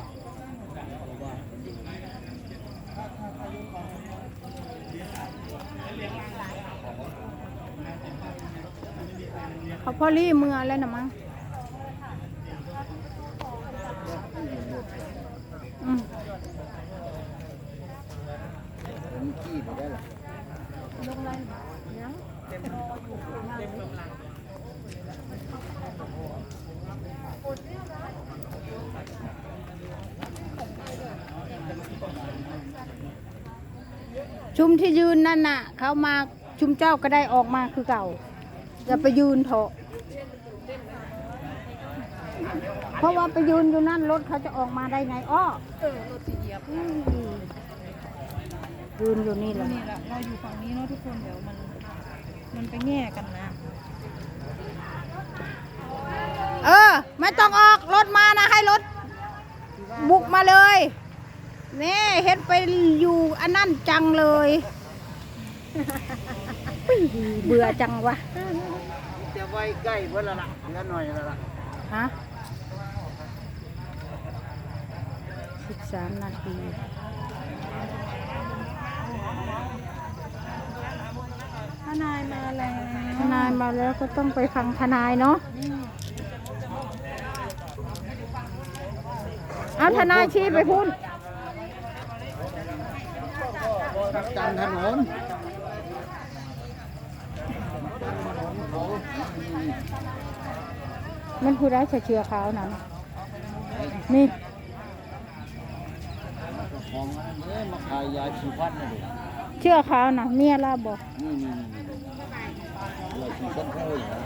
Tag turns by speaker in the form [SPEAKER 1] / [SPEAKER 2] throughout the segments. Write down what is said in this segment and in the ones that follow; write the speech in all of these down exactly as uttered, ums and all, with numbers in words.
[SPEAKER 1] เขาพอรี่เมือแล้วนะมั้งอืมขี้ไปได้หรอลงเลยยังชุมที่ยืนนั่นน่ะเขามาชุมเจ้าก็ได้ออกมาคือเก่าจะไปยืนเถอะเพราะว่าไปยืนอยู่นั่นรถเขาจะออกมาได้ไงอ้อเออรถที่เหยียบยืนอยู่นี่แหละนี่แหละเราอยู่ฝั่งนี้เนาะทุกคนเดี๋ยวมันมันไปแง่กันนะเออไม่ต้องออกรถมานะให้รถบุกมาเลยนี่เฮ็ดไปอยู่อันนั่นจังเลยเบื่อจังวะ
[SPEAKER 2] จะไว้ใกล้เพื่อนละละเพื่อนหน่อยละละ
[SPEAKER 1] ฮะสิบสามนาทีทนายมาแล้วทนายมาแล้วก็ต้องไปฟังทนายเนาะเอาทนายชี้ไปพูด
[SPEAKER 2] จันถนน
[SPEAKER 1] มันพูดได้เชื่อเขานะนี่
[SPEAKER 2] ของนี้มาขายยาชีฟันนะดิ
[SPEAKER 1] เชื่อเขานะเมียเราบอก
[SPEAKER 2] นี่นี่ยาชีฟันเขาอย่าง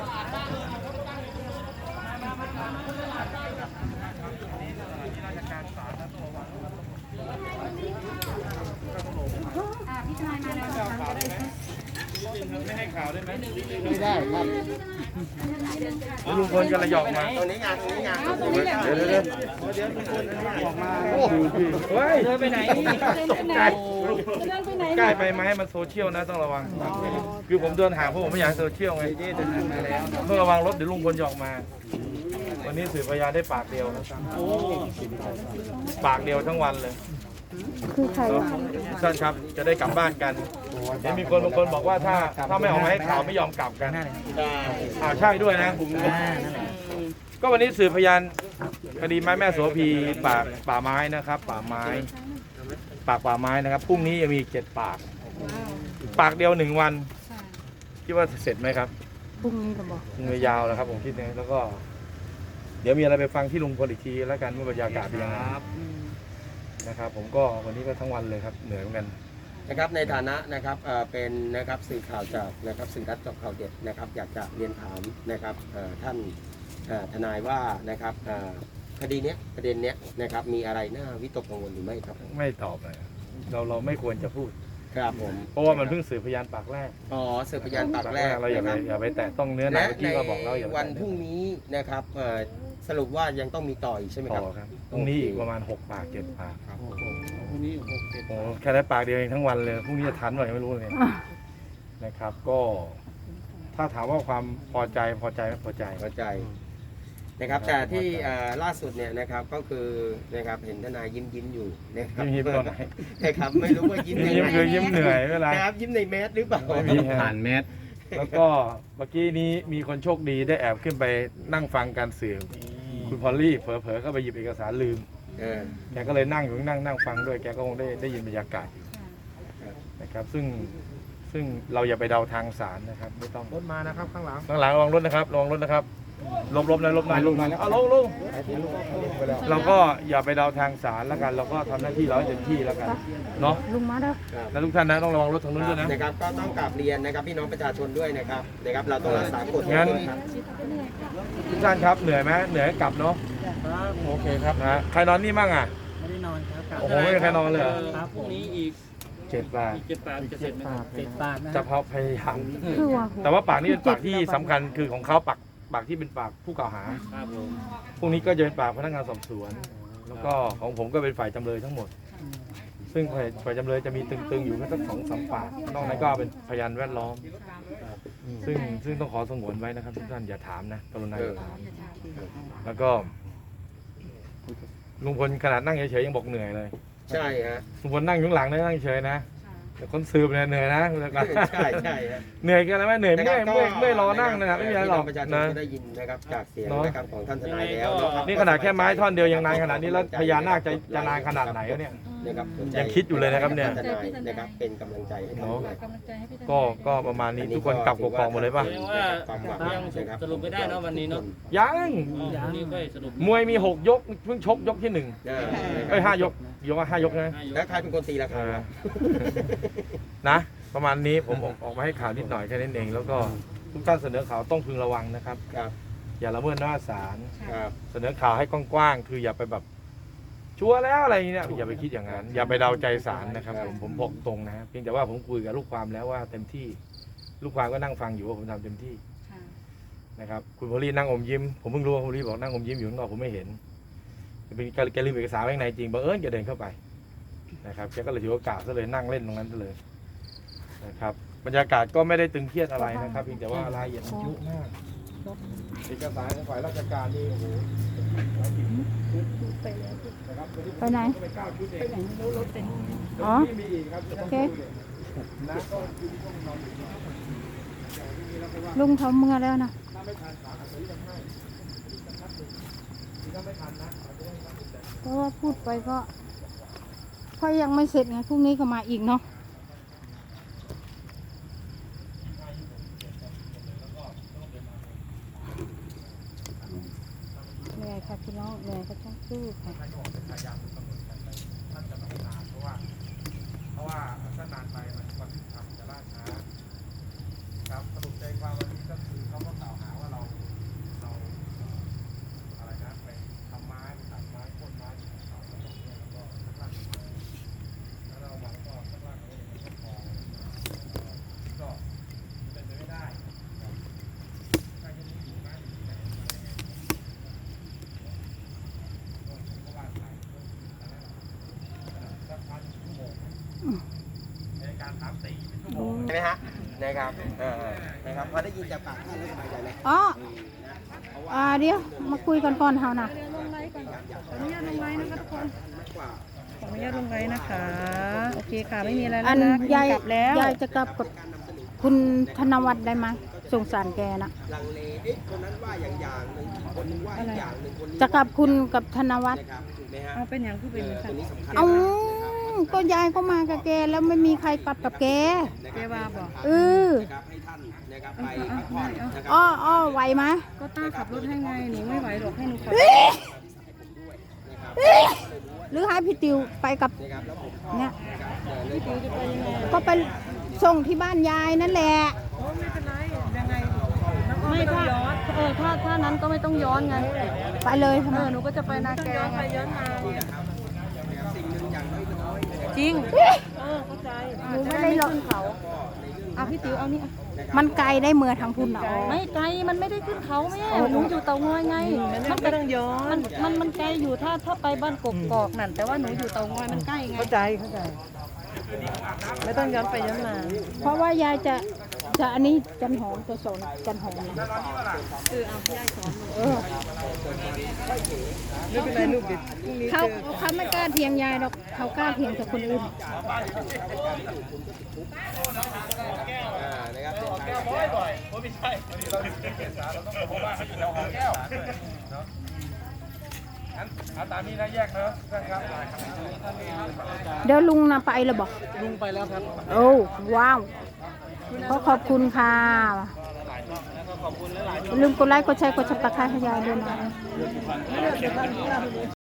[SPEAKER 3] ไม่ให้ข่าวได้ไหม
[SPEAKER 2] ไม่ได้ครับ
[SPEAKER 3] ลุงพลกันระยองมา
[SPEAKER 2] ตรงนี้งานตรงนี้งาน
[SPEAKER 3] เดี๋ยวเดี๋ยวเดี๋ยวเดี๋ยวลุงพลออกมาเฮ้ยเดินไปไหนตกใจใกล้ไปไหมให้มันโซเชียลนะต้องระวังคือผมเดินห่างเพราะผมไม่อยากโซเชียลไงต้องระวังรถเดี๋ยวลุงพลหยอกมาวันนี้สื่อพยานได้ปากเดียวนะครับปากเดียวทั้งวันเลย
[SPEAKER 1] คือใคร
[SPEAKER 3] ท่านครับจะได้กลับบ้านกันเห็นมีคนบางคนบอกว่าถ้าถ้าไม่ออกมาให้ข่าวไม่ยอมกลับกันอ่าใช่ด้วยนะก็วันนี้สื่อพยานคดีไม้แม่โสภีป่าป่าไม้นะครับป่าไม้ปากป่าไม้นะครับพรุ่งนี้จะมีเจ็ดปากปากเดียวหนึ่งวันคิดว่าเสร็จไหมครับ
[SPEAKER 1] พรุ่งนี้ก็บอก
[SPEAKER 3] พรุ่งนี้ยาวแล้วครับผมคิดนะแล้วก็เดี๋ยวมีอะไรไปฟังที่ลุงพลอีกทีแล้วกันว่าบรรยากาศเป็นยังไงนะครับผมก็วันนี้ก็ทั้งวันเลยครับเหนื่อยเหมือนกัน
[SPEAKER 2] นะครับในฐานะนะครับเป็นนะครับสื่อข่าวจากนะครับสื่อรัฐจอบข่าวเด็ดนะครับอยากจะเรียนถามนะครับท่านทนายว่านะครับคดีนี้ประเด็นนี้นะครับมีอะไรน่าวิตกกังวลหรือไม่ครับ
[SPEAKER 3] ไม่ตอบเลยเราเราไม่ควรจะพูด
[SPEAKER 2] ครับผม
[SPEAKER 3] เพราะว่ามันเพิ่งสืบพยานปากแรก
[SPEAKER 2] อ๋อสืบพยานปากแรก
[SPEAKER 3] เราอย่าไปอย่าไปแตะต้องเนื้อหนังที่เราบอกเราอย่า
[SPEAKER 2] วันพรุ่งนี้นะครับสรุปว่ายังต้องมีต่ออีกใช่ไหมครับ
[SPEAKER 3] พรุ่งนี้อีกประมาณหกปากเจ็ดปาก
[SPEAKER 2] ครับพรุ่งนี้หกเจ็ด
[SPEAKER 3] โอ้แค่ได้ปากเดียวเองทั้งวันเลยพรุ่งนี้จะทันหน่อยไม่รู้เลยนะครับก็ถ้าถามว่าความพอใจพอใจไม่พอใจ
[SPEAKER 2] พอใจนะครับแต่ที่ล่าสุดเนี่ยนะครับก็คือนะครับเห็นทนายยิ้มยิ้มอยู่นะครับ
[SPEAKER 3] ยิ้มตอนไหน
[SPEAKER 2] นะครับไม่รู้ว่ายิ้ม
[SPEAKER 3] ยิ้มคือยิ้มเหนื่อยเวลา
[SPEAKER 2] ครับยิ้มในแมสหรือเปล่า
[SPEAKER 3] ผ่านแมสแล้วก็เมื่อกี้นี้มีคนโชคดีได้แอบขึ้นไปนั่งฟังการสื่อคุณพอลลี่เผลอๆเข้าไปหยิบเอกสารลืมแกก็เลยนั่งอยู่นั่งนั่งฟังด้วยแกก็คงได้ได้ยินบรรยากาศนะครับซึ่งซึ่งเราอย่าไปเดาทางสารนะครับไม่ต้อง
[SPEAKER 2] รถมานะครับข้างหลัง
[SPEAKER 3] ข้างหลังระวังรถนะครับระวังรถนะครับลบลบนะลบหน่อยลบหน่อยเอาลงลงเราก็อย่าไปเดาทางสารแล้วกันเราก็ทำหน้าที่เราให้เต็มที่แล้วกันเนาะ
[SPEAKER 1] ลุงมาแล้ว
[SPEAKER 3] แล้วทุกท่านนะต้องระวังรถทางนู้นด้วยนะ
[SPEAKER 2] นะครับก็ต้องกราบเรียนนะครับพี่น้องประชาชนด้วยนะครับนะครับเราต้องรักษากฎ
[SPEAKER 3] งั้นทุกท่านครับเหนื่อยไหมเหนื่อยกลับเนาะโอเคครับนะใครนอนนี่มั่งอ่ะ
[SPEAKER 2] ไม่ได้นอนครับ
[SPEAKER 3] โอ้โหไม่มีใครนอนเลย
[SPEAKER 2] ครับพรุ่งนี้อีก
[SPEAKER 3] เจ็ดปาก
[SPEAKER 2] เจ็ดปากจะเสร็จไหมเจ็ดปาก
[SPEAKER 3] จะพยายามแต่ว่าปากนี้เป็นปากที่สำคัญคือของเขาปากปากที่เป็นปากผู้กล่าวหาพรุ่งนี้ก็จะเป็นปากพนักงานสอบสวนแล้วก็ของผมก็เป็นฝ่ายจำเลยทั้งหมดซึ่งฝ่ายจำเลยจะมีตึงๆอยู่แค่สักสองสามปากนอกนั้นก็เป็นพยานแวดล้อมซึ่งซึ่งต้องขอสงวนไว้นะครับทุกท่านอย่าถามนะกรุณาอย่าถามแล้วก็ลุงพลขนาดนั่งเฉยๆยังบอกเหนื่อยเลย
[SPEAKER 2] ใช่ฮะ
[SPEAKER 3] ลุงพลนั่งอยู่ข้างหลังนะนั่งเฉยๆนะแต่คนสืบเนี่ยเหนื่อยนะคุณตะกร้า
[SPEAKER 2] ใช่ใช่ฮะ
[SPEAKER 3] เหนื่อยกันแล้วไหมเหนื่อยเมื่อยเมื่อยเมื่อยรอนั่งนะไม่มีอะไรหรอก
[SPEAKER 2] ประชาชน
[SPEAKER 3] นะ
[SPEAKER 2] ก็ได้ยินนะครับจากเสียง
[SPEAKER 3] เนอะ
[SPEAKER 2] นะครับของท่านทนายแล้วเะครับ
[SPEAKER 3] นี่ขนาดแค่ไม้ท่อนเดียวยังนานขนาดนี้แล้วพญานาคจะจะนานขนาดไหนวะเนี่ย
[SPEAKER 2] นะครับสนใจ
[SPEAKER 3] ยังคิดอยู่เลยนะครับเนี่ย
[SPEAKER 2] ท่านทนายนะครับเป็นกำลังใจให้ท่านด้วย
[SPEAKER 4] กำลังใจให้พี่ทนาย
[SPEAKER 3] ก็ก็ประมาณนี้ทุกคนกลับกกอกหมดเลยป่ะ
[SPEAKER 5] แสดงว่ายังสรุปไม่ได้เนอะวันนี้เนอะ
[SPEAKER 3] ยัง
[SPEAKER 5] อ๋อวันนี้ก็สรุป
[SPEAKER 3] มวยมีหกยกเพิ่งชกยกที่หนึ่ง
[SPEAKER 2] อ่า
[SPEAKER 3] เอ้ยห้ายกยกว่าห้ายกนะ
[SPEAKER 2] แล้วใครเป็นคนตีราคา
[SPEAKER 3] อ่า นะ ประมาณนี้ผมออกออกมาให้ข่าวนิดหน่อยแค่นั้นเอง แล้วก็ทุกท่านเสนอข่าวต้องพึงระวังนะครับ
[SPEAKER 2] ครับ
[SPEAKER 3] อย่าละเมิดหน้าศาล
[SPEAKER 2] ครับ
[SPEAKER 3] เสนอข่าวให้กว้างๆคืออย่าไปแบบชัวร์แล้วอะไรอย่างเงี้ยอย่าไปคิดอย่างนั้น อย่าไปเดาใจศาลนะครับผมผมบอกตรงนะฮะเพียงแต่ว่าผมคุยกับลูกความแล้วว่าเต็มที่ ลูกความก็นั่งฟังอยู่ว่าผมทำเต็มที่นะครับคุณพลีนั่งอมยิ้มผมเพิ่งรู้ว่าคุณพลีบอกนั่งอมยิ้มอยู่ข้างนอกผมไม่เห็นเป็นแกลืมเอกสารไว้ข้างในจริงบังเอิญแกเดินเข้าไปนะครับแกก็เลยถือโอกาสซะเลยนั่งเล่นตรงนั้นซะเลยนะครับบรรยากาศก็ไม่ได้ตึงเครียดอะไรนะครับเพียงแต่ว่ารายละเอียดมันเยอะมากเอกสารของฝ่ายราชการนี่โอ้โห
[SPEAKER 1] ไปไหน อ๋อ โอเค ลุงเขาเมื่อแล้วนะเพราะว่าพูดไปก็เพราะยังไม่เสร็จไงพรุ่งนี้ก็มาอีกเนาะเหนื่อยค่ะพี่น้องเหนื่อยก็ต้องสู้ค่ะ
[SPEAKER 3] เพราะว่าถ้านานไปมันความยุติธรรมจะล่าช้าครับสรุปใจความวันนี้ก็คือเขาก็กล่าวหาว่าเราเราอะไรนะไปทำไม้ตัดไม้โค่นไม้เขาตรงนี้แล้วก็ข้างล่างแล้วเรามาก็ข้างล่างเราไม่ได้พอก็เป็นไปไม่ได้ถ้าจะมีอยู่ไม้ที่ไหนก็ว่าไปสักพักชั่วโมงในการถามตีเป็นชั่วโมง
[SPEAKER 2] ใช่ไหมฮะนะครับเออนะครับพอได้ยินจากปากท่านแล้วสบายใจไหม
[SPEAKER 1] อ๋ออ่าเดี๋ยวมาคุยกันก่อนเฮานะ
[SPEAKER 4] ลงไลฟ์ก่อนขออนุญาตลงไลฟ์นะคะทุกคน ขออนุญาตลงไลฟ์นะคะ โอเคค่ะ ไม่มีอะไร
[SPEAKER 1] อั
[SPEAKER 4] แล้ว
[SPEAKER 1] น
[SPEAKER 4] นะ
[SPEAKER 1] ยาย
[SPEAKER 4] กลับแล้ว
[SPEAKER 1] ยายจะกลับกับคุณธนวัฒน์ได้ไหมสงสารแกนะ
[SPEAKER 2] ลังเลเอ๊ะคนนั้นว่าอย่างอย่างหนึ่งคนนึงว่าอีกอย่างหนึ่งคนนี้
[SPEAKER 1] จะกลับคุณกับธนวัฒน์
[SPEAKER 2] นะครับถูกไหมฮะ
[SPEAKER 4] เอาเป็นอย่างผู้เป็น
[SPEAKER 2] เออ
[SPEAKER 4] สั
[SPEAKER 2] ตัว
[SPEAKER 4] ตว์
[SPEAKER 2] นี้สำคัญ
[SPEAKER 1] เอา
[SPEAKER 2] นะ
[SPEAKER 1] ก็ยายก็มากับแกแล้วไม่มีใครกลับกับแก
[SPEAKER 4] เจว่าบอก
[SPEAKER 1] เออ
[SPEAKER 2] นะครับให้ท่านนะครับไปพักผ่อนนะครับ
[SPEAKER 1] อ้ออ้อไหวไหม
[SPEAKER 4] ก็ต้าขับรถให้ไง หนูไม่ไหวหรอกให้หนูขับ
[SPEAKER 1] หรือให้พี่ติวไปกับ
[SPEAKER 2] นะครับแล้วผม
[SPEAKER 1] เนี่ย
[SPEAKER 4] พี่ติวจะไปยังไง
[SPEAKER 1] ก็ไปส่งที่บ้านยายนั่นแหละ
[SPEAKER 4] โอ้ไม่เป็นไร ยังไงไม่ถ้าเออถ้าถ้านั้นก็ไม่ต้องย้อนไง
[SPEAKER 1] ไปเลยทำ
[SPEAKER 4] เอ
[SPEAKER 1] ไม
[SPEAKER 4] อหนูก็จะไปนาแกไงย้อนมาจริง เออเข้าใจ
[SPEAKER 1] หนูไม่ได้หรอก
[SPEAKER 4] ขึ้นเขาเอาพี่ติวเอานี่อ่ะ
[SPEAKER 1] มันไกลได้เมื่อทางพุ่นเนาะ
[SPEAKER 4] ไม่ไกลมันไม่ได้ขึ้นเขาแม่หนูอยู่เตางอยไงมันไม่ต้องย้อนมันมันมันไกลอยู่ถ้าถ้าไปบ้านกกอกนั่นแต่ว่าหนูอยู่เตางอยมันใกล้ไงเข้าใจเข้าใจไม่ต้องย้อนไปย้อนมา
[SPEAKER 1] เพราะว่ายายจะจะอันนี้จันหอมจะสอนจันหอมนะ
[SPEAKER 4] คือเอาพี่ยายสอนหนู
[SPEAKER 1] เออ
[SPEAKER 4] ไม่เป็นไรลูกดิพรุ่งนี้
[SPEAKER 1] เขาเขาไม่กล้าเถียงยายหรอกเขากล้าเถียงกับคนอื่น
[SPEAKER 2] อ่านะครับ
[SPEAKER 3] แก้วบ่อยๆไม่ใช่วันนี้เราถึงเอกสารเราต้องบอกว่าเขาอยู่แถวหอแก้วเนาะงั้นเอาตามนี้นะแยกเนอะท่านครับ
[SPEAKER 1] เดี๋ยวลุงนะไปเลยบอก
[SPEAKER 3] ลุงไปแล้วครับ
[SPEAKER 1] โอ้ว้าวขอขอบคุณค่ะอย่าลืมกดไลค์กดแชร์กดซับสไครต์ให้ยายด้วยนะ